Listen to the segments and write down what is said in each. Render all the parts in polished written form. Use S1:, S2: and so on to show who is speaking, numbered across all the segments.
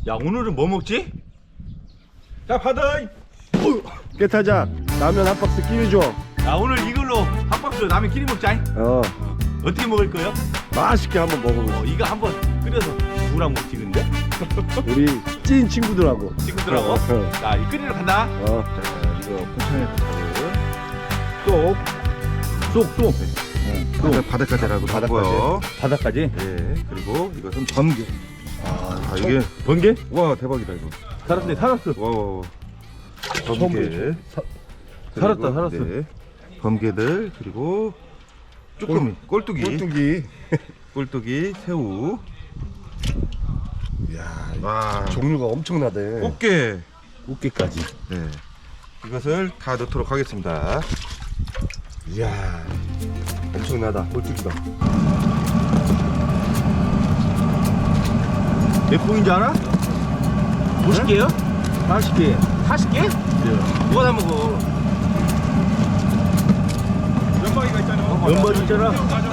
S1: 야, 오늘은 뭐 먹지? 자, 받아.
S2: 깨타자 라면 한 박스 끼리 줘.
S1: 야, 오늘 이걸로 한 박스 라면 끼리 먹자. 어떻게 먹을 거예요?
S2: 맛있게 한번 먹어보자.
S1: 이거 한번 끓여서 누구랑 먹지 근데?
S2: 우리 찐 친구들하고.
S1: 친구들하고. 자, 이 끓이러 간다.
S2: 자,
S1: 이거 포천에 쏙.
S3: 바닷가재라고 하고요.
S1: 바닥까지.
S3: 예. 그리고 이것은 번개. 이게
S1: 번개?
S3: 와 대박이다 이거.
S1: 살았네, 살았어.
S3: 와.
S2: 처음
S3: 번개.
S1: 살았다, 살았어.
S3: 네. 번개들 그리고 쭈꾸미, 꼴뚜기,
S2: 꼴뚜기.
S3: 꼴뚜기, 새우.
S2: 이야,
S3: 와.
S2: 종류가 엄청나대.
S3: 꽃게.
S1: 꽃게까지.
S3: 네. 이것을 다 넣도록 하겠습니다.
S2: 이야, 엄청나다. 꼴뚜기가.
S1: 몇 봉인지 알아? 50개요? 40개. 40개? 누가 다 먹어?
S3: 면박이가 있잖아.
S1: 연벌 있잖아.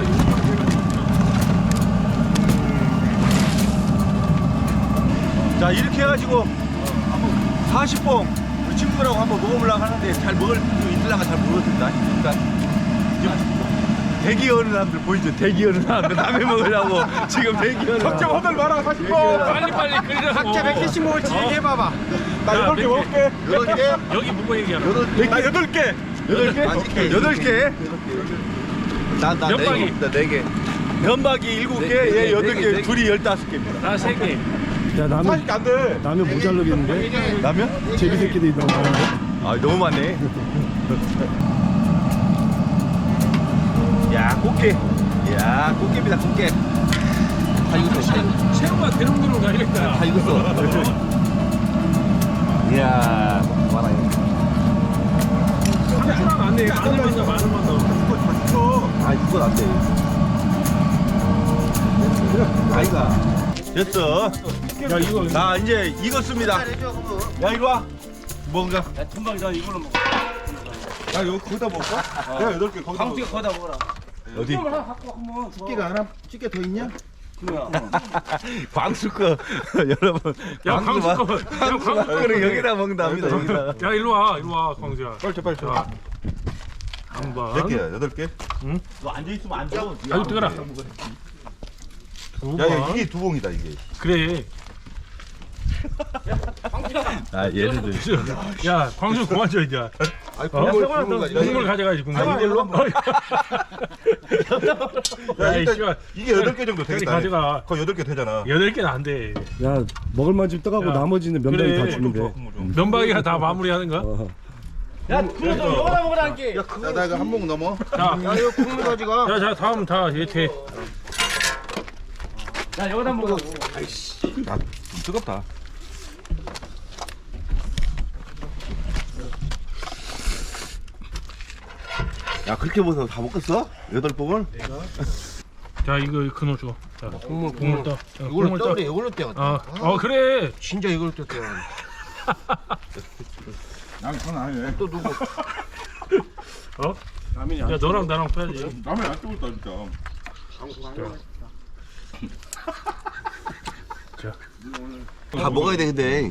S1: 자, 이렇게 해가지고 40봉 우리 친구들하고 한번 먹어보려고 하는데 잘 먹을 수 있을랑가 잘 모르겠습니다. 그러니까 지금 대기하는 사람들 보이죠? 대기하는 사람들 라면 먹으려고 지금 대기하는
S3: 좀 허들 마라 40번.
S4: 빨리 끓이라고.
S1: 각자 몇 개씩 먹을지 얘기해봐봐.
S3: 나 8개 먹을게.
S1: 8개?
S4: 여기 묵고 얘기하라.
S3: 8개.
S1: 8개? 8개? 나
S4: 면박이.
S1: 4개. 면박이 7개, 얘 8개, 둘이 15개입니다.
S4: 나 3개.
S2: 야, 라면,
S3: 안 돼.
S2: 라면 모자르겠는데?
S1: 라면?
S2: 제비 새끼들이 너무 많은데?
S1: 아, 너무 많네. 야, 꽃게. 야, 꽃게입니다, 꽃게. 다 익었어.
S4: 새우가 대롱대롱 가야겠다.
S1: 다 익었어. 이야, 많아요.
S4: 상추랑 안 돼. 마늘만 넣어, 마늘만 넣어.
S1: 아, 이건 안 돼. 아이가. 됐어.
S4: 야, 이거.
S1: 나 이제 익었습니다. 야, 이리 와. 뭔가.
S4: 금방이다, 이걸로 먹어.
S3: 야 이거 거기다 먹을까? 야 8개 거기다
S4: 방수가 거다 먹어라.
S1: 어디?
S4: 하나 갖고 한번.
S3: 찌개가 하나? 찌개 더 있냐?
S1: 광수 거 여러분.
S4: 야, 광수 거. 야, 광수
S1: 거는 여기다 먹는답니다. 여기다.
S4: 야, 일로 와, 광수야.
S3: 빨리 줘.
S4: 자, 한번.
S3: 몇 개야? 8개?
S1: 너 앉아 있으면 안 돼.
S4: 아유, 뜨거라.
S3: 야 이게 2봉이다 이게.
S4: 그래.
S1: 아, 얘네들.
S4: 야, 광수 그만 줘, 이제.
S3: 아니
S4: 국물 가져가야지, 국물.
S3: 이걸로?
S4: 야,
S3: 야
S4: 이
S3: 일단
S4: 씨발.
S3: 이게 8개 정도
S4: 빨리
S3: 되겠다.
S4: 가져가.
S3: 거의 8개 되잖아.
S4: 8개는 안 돼.
S2: 야, 먹을만 좀 떠가고
S4: 야,
S2: 나머지는 면박이
S4: 그래.
S2: 다 주면 돼.
S4: 면박이가 다 마무리하는 거야?
S2: 어.
S1: 야, 그래도 이거나 먹으라니까.
S3: 야, 나 이거 한 봉 넘어.
S4: 자,
S3: 이거 국물 가져가.
S4: 자, 다음 다 예태.
S1: 야, 여기다 먹어.
S3: 아, 좀 뜨겁다.
S1: 야, 그렇게 먹어서 다 먹겠어? 8봉을?
S4: 자, 이거 그놈 줘. 자, 국물 떠. 자,
S1: 이걸로
S4: 국물 떠.
S1: 떠. 이걸로 떼어.
S4: 그래.
S1: 진짜 이걸로 떼어.
S3: 난 그건 아니네.
S1: 또 누구?
S4: 어? 야, 너랑 나랑 빼야지.
S3: 라면 안 뜨겁다 진짜.
S1: 다 먹어야 돼, 근데.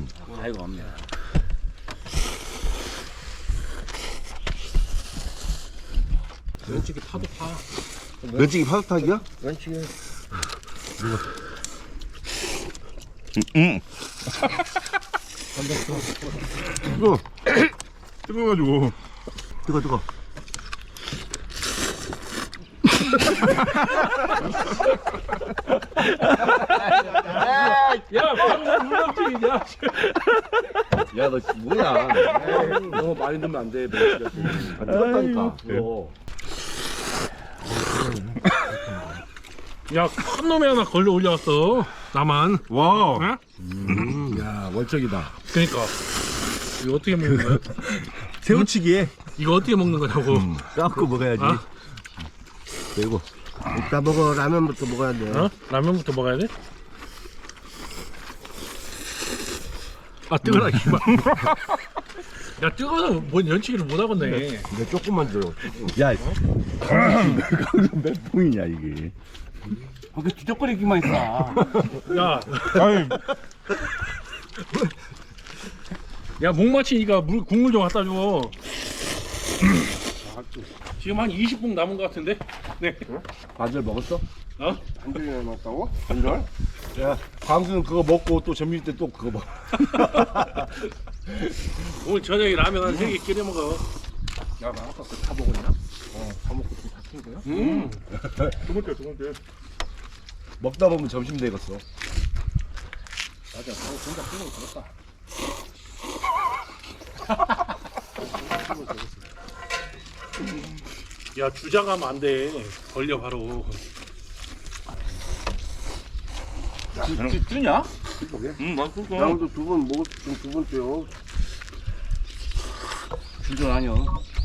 S4: 면치기 파도 파.
S1: 면치기 파스타기야?
S4: 면치기.
S3: 뜨거워가지고.
S1: 뜨거.
S4: 야, 방금 물렁증이냐?
S1: 야, 너 뭐야?
S2: 너무 많이 넣으면 안 돼. 면치가.
S1: 안 뜨겁다니까.
S4: 야, 큰 놈이 하나 걸려 올려왔어. 나만.
S3: 와.
S4: 어?
S2: 야, 월적이다.
S4: 그러니까. 이거 어떻게 먹는 거야?
S1: 새우치기에
S4: 이거 어떻게 먹는 거냐고.
S1: 깎고 먹어야지.
S4: 어?
S1: 그리고
S5: 이따 먹어. 라면부터 먹어야 돼.
S4: 어? 라면부터 먹어야 돼? 아, 뜨거라, 이만. 야, 뜨거워서 뭔 연치기를 못 하겠네.
S5: 내 조금만 줘.
S1: 야, 강수 몇 봉이냐 이게?
S5: 그 뒤적거리기만 했어.
S4: 야,
S3: 아니
S4: 야, 목 마치니까 국물 좀 갖다 줘. 지금 한 20분 남은 것 같은데? 네.
S2: 반절 먹었어?
S4: 어?
S5: 반절이 남았다고? 반절?
S2: 야, 광수는 그거 먹고 또 점심 때 또 그거 먹어.
S4: 오늘 저녁에 라면 한 3개 끓여 먹어.
S3: 야, 나 아까 다 먹었냐? 다 먹고 좀 다친 거야? 두 번째.
S2: 먹다 보면 점심 되겠어.
S3: 맞아, 너 진짜 끊어 들었다.
S4: 야, 주작하면 안 돼. 걸려 바로.
S1: 뜨냐?
S3: 응, 맛있어.
S5: 양도 두 번 먹었으면 두 번째요.
S1: 주전 아니야.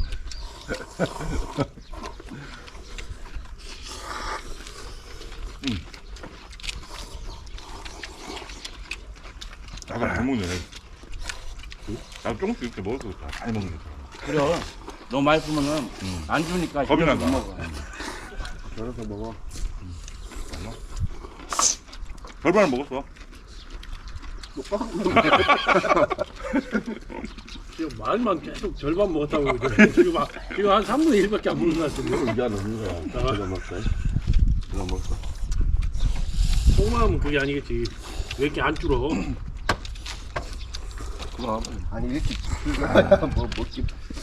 S3: 나가 잘 먹네. 나 조금씩 이렇게 먹을 거 많이 먹는 거.
S1: 그래. 너무 맛있으면은 안 주니까
S3: 겁이
S1: 집에서
S3: 난다.
S1: 못 먹어.
S5: 저래서 먹어.
S3: 절반을 먹었어.
S4: 지금 말만 계속 절반 먹었다고 그러죠. 지금 한 3분의 1밖에 안 먹는 것 같은데.
S5: 이제 안 먹는 거야. 이거 먹자. 이거 먹자.
S4: 속마음은 그게 아니겠지. 왜 이렇게 안 줄어?
S5: 아니 이렇게 뭐 먹지.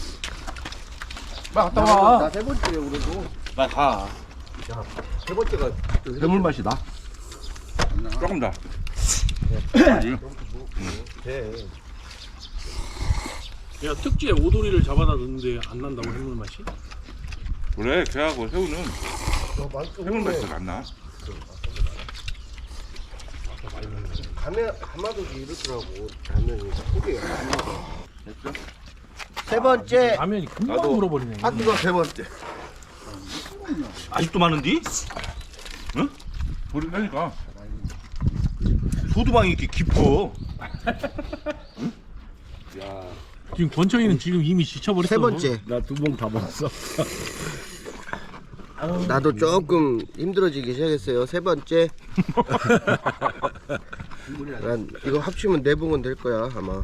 S1: 갔다 와.
S5: 나세 번째요 그래도.
S1: 빨리 가.
S5: 세 번째가
S2: 해물 맛이 나.
S3: 조금 더.
S4: 야, 특지에 오돌이를 잡아다 넣는데 안 난다고 해물 맛이?
S3: 그래, 걔하고 새우는 해물 맛이 안 나.
S5: 가마도도 이렇더라고. 라면이 소리가 안 나서. 세 번째.
S4: 라면이 금방
S3: 나도-
S4: 물어버리네.
S5: 한두가 세 번째.
S1: 아직도 많은디?
S3: 돌이 세니까.
S1: 소두방이 이렇게 깊어.
S4: 지금 권청이는 지금 이미 지쳐버렸어.
S5: 세 번째.
S2: 나 두 봉 다 먹었어.
S5: 나도 조금 힘들어지기 시작했어요. 세 번째. 난 이거 합치면 네 봉은 될 거야 아마.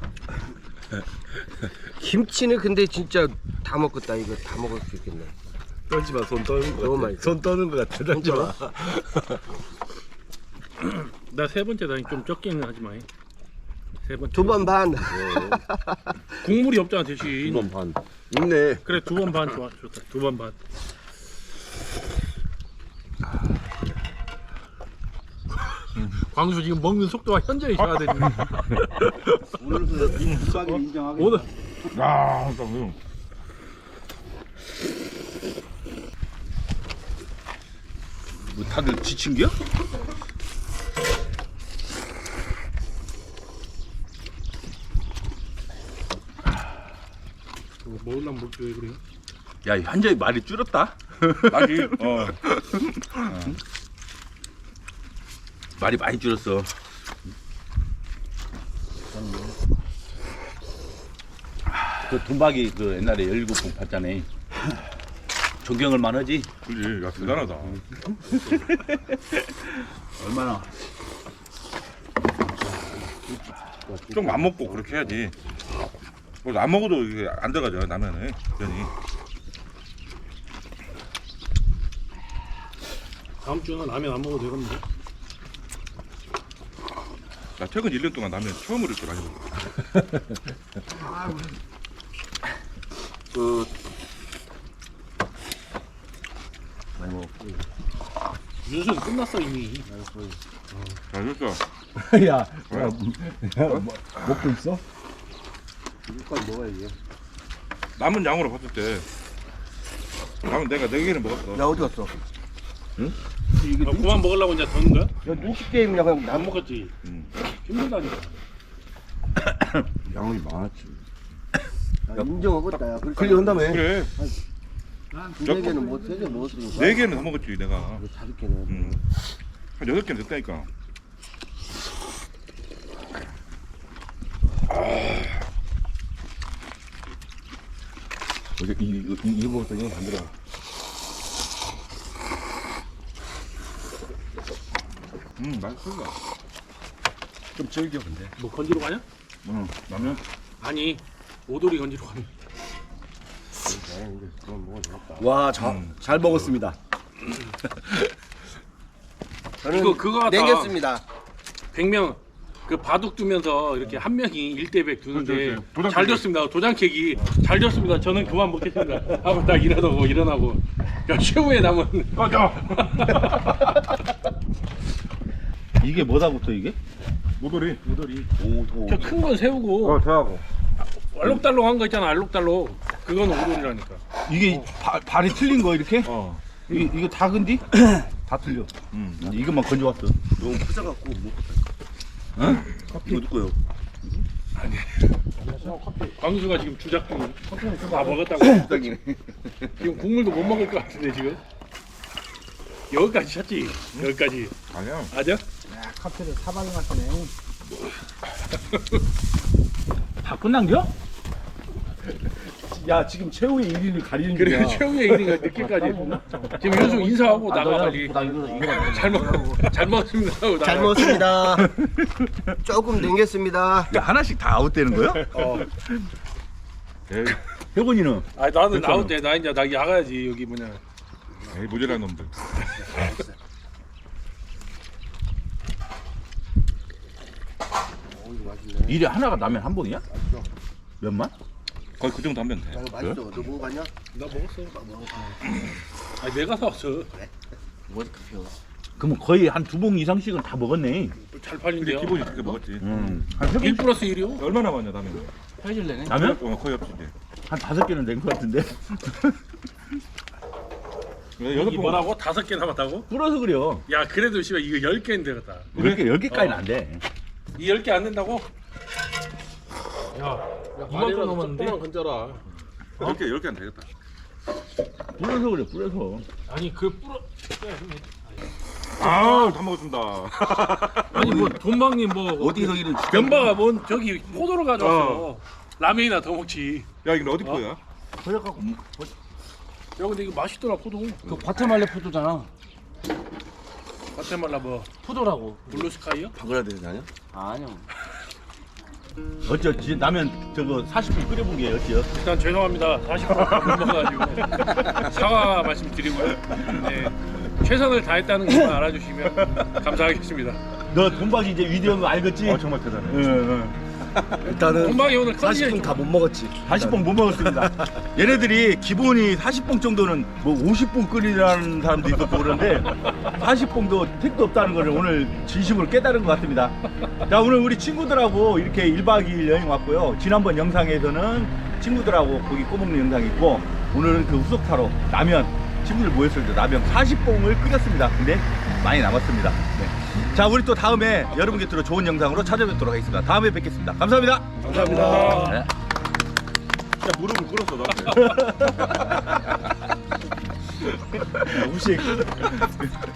S5: 김치는 근데 진짜 다 먹겠다. 이거 다 먹을 수 있겠네.
S2: 떨지 마, 손 떠는 거
S5: 너무
S2: 같아.
S5: 맛있어.
S2: 손 떠는 거 같아. 떨지 마.
S4: 나 세 번째다. 좀 적게는 하지 마. 세 번째.
S5: 두 번 반.
S4: 국물이 없잖아 대신.
S2: 2번 반. 있네.
S4: 그래, 2번 반 좋아. 좋다. 2번 반. 광수 지금 먹는 속도가 현저히 져야 되네.
S1: 오늘부터 김밥이 인정하겠다.
S4: 오늘
S3: 야, 딱 그럼.
S1: 뭐 다들 지친겨?
S4: 먹으려면 먹지 왜 그래요?
S1: 야, 현저히 말이 줄었다.
S3: 맛이,
S1: 말이 많이 줄었어. 그 돈박이 그 옛날에 17봉 봤잖아. 존경을 만하지.
S3: 그지. 야, 대단하다.
S1: 얼마나.
S3: 좀 안 먹고 그렇게 해야지. 뭐 안 먹어도 이게 안 들어가죠, 라면에. 면이.
S4: 다음 주는 라면 안 먹어도 되겠는데?
S3: 나 최근 1년 동안 라면 처음으로 이렇게 많이 먹어.
S4: 윤수는 끝났어 이미.
S3: 잘 됐어.
S2: 야, 야, 먹고 있어?
S5: 이거까지 먹어야지.
S3: 남은 양으로 봤을 때 남은 내가 4개는 먹었어.
S5: 야 어디 갔어?
S4: 그만 먹으려고 이제 더는 거야?
S5: 야 눈치 게임이냐 그냥
S4: 안
S5: 남
S4: 먹었지.
S3: 음.
S4: 힘들다니까.
S2: 양이 많았지.
S5: 인정하겠다. 야.
S2: 클리어 한다며.
S3: 그래.
S5: 두세 개는 뭐 세 개 먹었으니까.
S3: 4개는 더 먹었지 내가.
S5: 이거 5개는.
S3: 한 8개는 됐다니까.
S2: 어제 이거 먹었더니 안 들어.
S3: 맛있어.
S2: 좀 질겨 근데.
S4: 뭐 건지러 가냐?
S3: 응 라면
S4: 아니 오돌이 건지러 가는.
S2: 와, 잘 먹었습니다.
S5: 저는
S4: 그거 같다.
S5: 냉겼습니다.
S4: 100명 그 바둑 두면서 이렇게 한 명이 1대100 두는데
S3: 그렇지. 도장
S4: 잘
S3: 깨기.
S4: 됐습니다. 도장 캐기 잘 됐습니다. 저는 그만 먹겠습니다. 하고 딱 일어나고 야 최후의 남은
S3: 꺼져
S1: 이게 뭐다 붙어 이게?
S3: 모돌이
S4: 저 큰 건 새우고
S3: 저하고
S4: 알록달록한 거 있잖아. 알록달록 그건 오돌이라니까.
S1: 이게 발이 틀린 거 이렇게?
S3: 어
S1: 이거 다 근디? 다 틀려. 이것만 건져왔어.
S2: 너무 크져갖고 못.
S1: 응?
S2: 이거 누구요?
S4: 광수가 지금 주작 중이야. 다 먹었다고.
S2: 부장님.
S4: 지금 국물도 못 먹을 것 같은데 지금. 여기까지 찼지. 여기까지.
S3: 아니야
S4: 맞아?
S1: 다 끝난겨?
S2: 야, 지금 최후의 1위를 가리는
S4: 그래
S2: 중이야.
S4: 최후의 1위가 늦게까지. 지금 윤수 인사하고 나가 빨리. 잘 먹었습니다 하고 나가.
S5: 잘 먹었습니다. 조금 냉겼습니다.
S1: 야, 하나씩 다 아웃되는 거야?
S3: 에이,
S1: 혜곤이는?
S4: 아 나는 아웃 돼. 나 이제 나 야가야지 여기 뭐냐.
S3: 에이 모자란 놈들
S1: 일에 하나가 나면 한 봉이야? 몇만?
S3: 거의 그 정도 하면 돼
S5: 야, 이거 맛있어. 너 먹어봤냐?
S4: 나 먹었어. 아 내가 사왔어.
S1: 그러면 거의 한 2봉 이상씩은 다 먹었네.
S4: 잘
S3: 근데
S4: 팔린대요.
S3: 기본이 그렇게 먹었지
S1: 한 3봉?
S4: 1 플러스 1이요?
S3: 얼마 남았냐 라면
S1: 라면?
S3: 거의 없지 이제
S1: 한 5개는 된 것 같은데.
S3: 여섯
S4: 이
S3: 번
S4: 뭐라고? 5개 남았다고?
S1: 불어서 그래요.
S4: 야 그래도 씨발 이거 10개는 되겠다.
S1: 10개까지는 안 돼.
S4: 이 10개 안 된다고? 야 이만큼 남았는데?
S3: 이렇게 10개 안 되겠다
S1: 불어서 그래, 불어서.
S4: 아니 그 뿌러
S3: 아다 먹었습니다
S4: 아니 뭐 돈방님 뭐
S2: 어디서 이런
S4: 면바가 뭔 저기 포도를 가져왔어. 라면이나 더 먹지.
S3: 야 이거 어디 거야?
S1: 허약하고
S4: 야 근데 이거 맛있더라 포도.
S6: 그 과테말레 포도잖아.
S4: 과테말라 뭐
S6: 포도라고.
S4: 블루스카이요?
S2: 바글라데시 아니야?
S6: 아니요.
S1: 어찌 라면 저거 40분 끓여본 게 어찌요?
S4: 일단 죄송합니다. 40분 못 먹어가지고 사과 말씀드리고요. 네, 최선을 다했다는 것만 알아주시면 감사하겠습니다.
S1: 너 돈박이 이제 위대한 거 알겠지?
S3: 정말 대단해
S1: 응.
S2: 일단은
S4: 돈방이 오늘
S2: 40분 다 못 먹었지.
S1: 40봉 못 먹었습니다. 얘네들이 기본이 40봉 정도는 뭐 50봉 끓이라는 사람도 있었고 그런데 40봉도 택도 없다는 것을 오늘 진심으로 깨달은 것 같습니다. 자, 오늘 우리 친구들하고 이렇게 1박 2일 여행 왔고요. 지난번 영상에서는 친구들하고 고기 꼬먹는 영상이 있고 오늘은 그 후속타로 라면 친구들 모였을 때 라면 40봉을 끓였습니다. 근데 많이 남았습니다. 네. 자, 우리 또 다음에 여러분 곁으로 좋은 영상으로 찾아뵙도록 하겠습니다. 다음에 뵙겠습니다. 감사합니다.
S2: 감사합니다.
S1: 네.
S3: 야 무릎을 꿇었어 너한테
S1: 무식.